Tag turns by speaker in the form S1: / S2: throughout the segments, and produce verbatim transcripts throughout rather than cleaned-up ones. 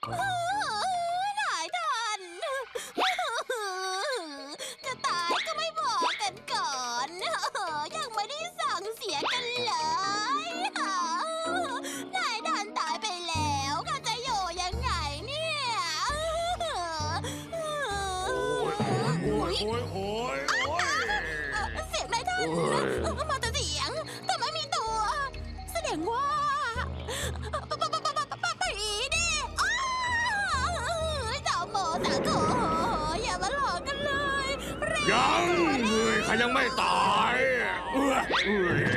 S1: นายท่านจะตายก็ไม่บอกกันก่อนยังไม่ได้สั่งเสียกันเลยนายท่านตายไปแล้วข้าจะอยู่ยังไงเนี่ย
S2: โอ้ยโอ้ยโอ้ยโอ้ย
S1: เสียงนายท่านมาแต่เสียงแต่ไม่มีตัวแสดงว่าผีดิสาวโมสาวโขอย่ามาหลอกกันเลย
S2: ยังเลยข้ายังไม่ตายเอ้ยเอ้ย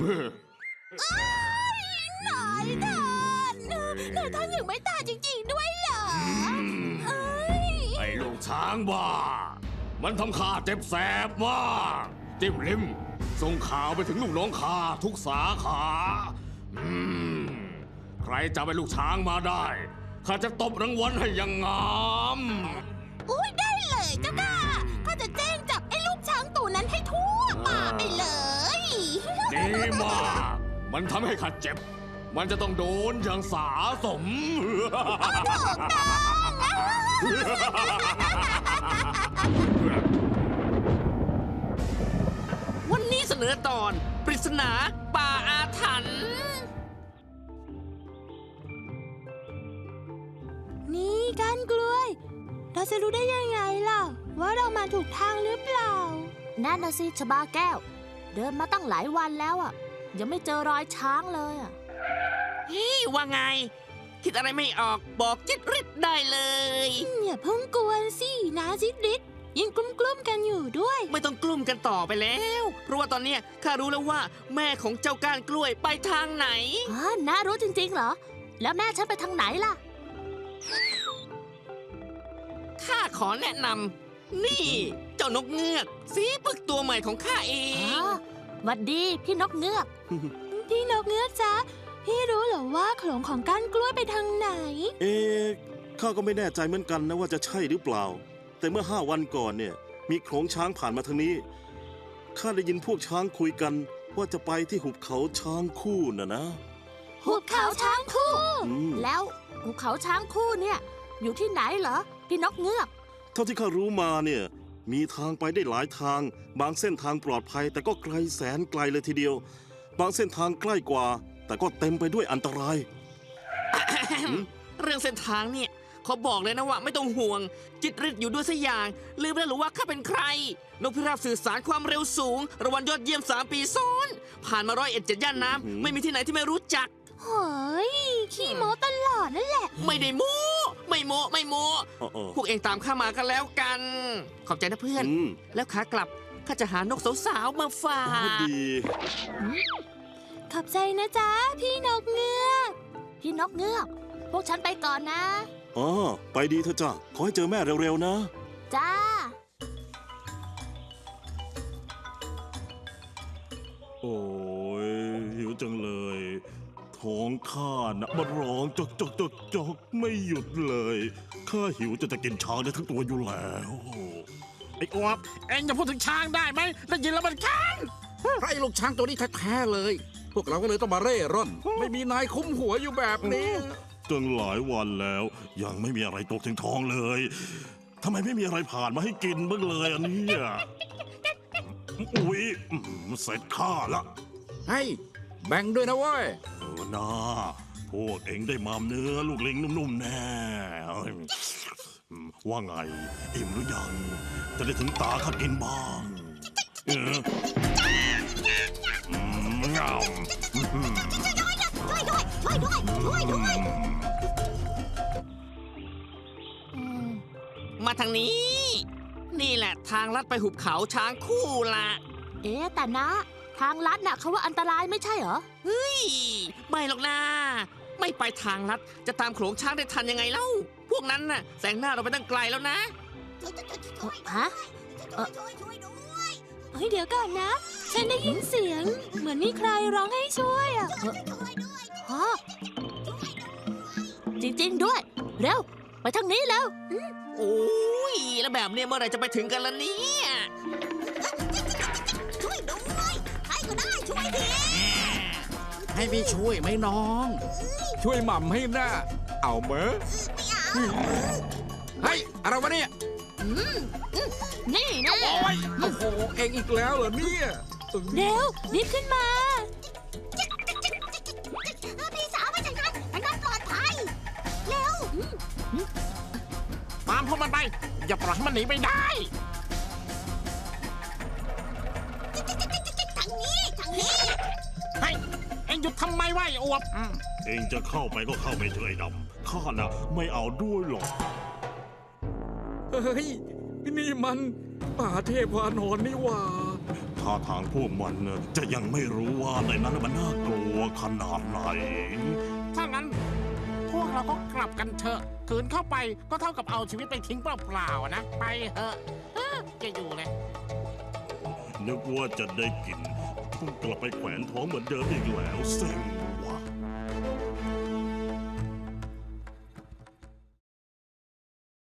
S1: นายท่านนายท่านยังไม่ตายจริงๆด้วยเหรอ
S2: ไอ้ลูกช้างบ้ามันทำข้าเจ็บแสบมากจิ้มลิมส่งข่าวไปถึงลูกน้องข้าทุกสาขาอืมใครจะไปลูกช้างมาได้ข้าจะตบรางวัลให้อยังงาม
S1: อุ้ยได้เลยเจ้าค่ะข้าจะแจ้งจับไอ้ลูกช้างตัวนั้นให้ทั่วป่าไปเลย
S2: ดีมากมันทำให้ข้าเจ็บมันจะต้องโดนอย่างสาสม
S3: วันนี้เสนอตอนปริศนาป่าอาถรรพ์
S1: นี่ก้านกล้วยเราจะรู้ได้ยังไงล่ะว่าเรามาถูกทางหรือเปล่า
S4: นั่นนะสิชบาแก้วเดินมาตั้งหลายวันแล้วอ่ะยังไม่เจอรอยช้างเลยอ่ะ
S3: เฮ้ยว่าไงคิดอะไรไม่ออกบอกจิตริดได้เลย
S1: อย่าเพิ่งกวนสินะจิตริดยังกลุ้มๆกันอยู่ด้วย
S3: ไม่ต้องกลุ้มกันต่อไปแล้วเพราะว่าตอนเนี้ยข้ารู้แล้วว่าแม่ของเจ้าก้านกล้วยไปทางไหน
S4: อ๋อน้ารู้จริงๆเหรอแล้วแม่ฉันไปทางไหนล่ะ
S3: ข้าขอแนะนำนี่เจ้านกเงือกสีปึกตัวใหม่ของข้าเอง
S4: หวัดดีพี่นกเงือก
S1: พี่นกเงือกจ๊ะพี่รู้เหรอว่าโขลงของก้านกล้วยไปทางไหน
S5: เอ๊ะข้าก็ไม่แน่ใจเหมือนกันนะว่าจะใช่หรือเปล่าแต่เมื่อห้าวันก่อนเนี่ยมีโขลงช้างผ่านมาทางนี้ข้าได้ยินพวกช้างคุยกันว่าจะไปที่หุบเขาช้างคู่น่ะนะ
S4: หุบเขาช้างคู่แล้วหุบเขาช้างคู่เนี่ยอยู่ที่ไหนเหรอพี่นกเงือก
S5: เท่าที่ข้ารู้มาเนี่ยมีทางไปได้หลายทางบางเส้นทางปลอดภัยแต่ก็ไกลแสนไกลเลยทีเดียวบางเส้นทางใกล้กว่าแต่ก็เต็มไปด้วยอันตราย
S3: เรื่องเส้นทางเนี่ยเขาบอกเลยนะว่าไม่ต้องห่วงจิตริดอยู่ด้วยสักอย่างลืมแล้วหรือว่าข้าเป็นใครนกพิราบสื่อสารความเร็วสูงรางวัลยอดเยี่ยมสามปีซ้อนผ่านมาร้อยเอ็ดเจ็ดย่านน้ำไม่มีที่ไหนที่ไม่รู้จัก
S1: เฮ้ยขี้โม้ตลอดนั่นแหละ
S3: ไม่ได้โม้ไม่โม้ไม่โม้พวกเองตามข้ามากันแล้วกันขอบใจนะเพื่อนแล้วขากลับข้าจะหานกสาวๆมาฝาก
S5: ดี
S1: ขอบใจนะจ๊ะพี่นกเงือก
S4: พี่นกเงือกพวกฉันไปก่อนนะ
S5: อ๋อไปดีเถอะจ้ะขอให้เจอแม่เร็วๆนะ
S4: จ้า
S5: โอ้ยหิวจังเลยท้องข้านะมันร้องจกจกจกจกไม่หยุดเลยข้าหิวจะจะกินช้างได้ทั้งตัวอยู่แล้ว
S6: ไอ้อวบเอ็งจะพูดถึงช้างได้ไหมได้ยินแล้วมันคันเพราะไอ้ลูกช้างตัวนี้แท้ๆเลยพวกเราก็เลยต้องมาเร่ร่อนไม่มีนายคุ้มหัวอยู่แบบนี้
S5: ตั้งหลายวันแล้วยังไม่มีอะไรตกถึงท้องเลยทำไมไม่มีอะไรผ่านมาให้กินบ้างเลยอันนี้อุ๊ยเสร็จข้าละ
S6: เฮ้ยแบ่งด้วยนะเว้ย
S5: เออนะพวกเอ็งได้มามเนื้อลูกลิงนุ่มๆแน่ว่าไงอิ่มหรือยังจะได้ถึงตาข้ากินบ้างเอองาม
S1: ช่วยด้วยช่วยด้วยช่วยด้วย
S3: มาทางนี้นี่แหละทางลัดไปหุบเขาช้างคู่ละ
S4: เอ๊ะแต่นะทางลัดน่ะเขาว่าอันตรายไม่ใช่เหรอ
S3: เฮ้ยไม่หรอกนะไม่ไปทางลัดจะตามโขลงช้างได้ทันยังไงเล่าพวกนั้นน่ะแสงหน้าเราไปตั้งไกลแล้วนะ
S4: ฮะ
S1: เฮ้ยเดี๋ยวก่อนนะฉันได้ยินเสียงเหมือนมีใครร้องให้ช่วยอ่ะ
S4: ฮะจริงๆด้วยเร็วไปทางนี้แล้ว
S3: โอ้ยแล้วแบบนี้เมื่อไหร่จะไปถึงกันล่ะเนี่ย
S1: ช่วยด้วยใครก็ได้ช่วยที
S6: ให้พี่ช่วยไหมน้องช่วยหม่ำให้หน้าเอาเมอ
S1: ไม่เอา
S6: เฮ้ยอะไรวะเนี่ย
S4: นี่นะ
S6: โอ้ยโอ้โหเองอีกแล้วเหรอเนี่ย
S4: เร็วรีบขึ้นมา
S1: พี่สาวมาจากนั้นมันก็ปลอดภัย เร็ว
S6: ตามพวกมันไป อย่าปล่อยให้มันหนีไปได้
S1: ทางนี้ทางนี้
S6: เฮ้ยเองหยุดทำไมวะไอ้อวบอืม
S5: เองจะเข้าไปก็เข้าไปเถอะไอ้ดำข้าน่ะไม่เอาด้วยหรอก
S6: เฮ้ยนี่มันป่าเทพวานอนนี่หว่า
S5: ท่าทางพวกมันน่ะจะยังไม่รู้ว่าในนั้นมันน่ากลัวขนาดไหน
S7: ถ้างั้น พวกเราก็กลับกันเถอะขืนเข้าไปก็เท่ากับเอาชีวิตไปทิ้งเปล่าๆนะ ไปเถอะเอ้อจะอยู่เลย
S5: นึกว่าจะได้กินต้องกลับไปแขวนท้องเหมือนเดิมอีกแล้วเซ็ง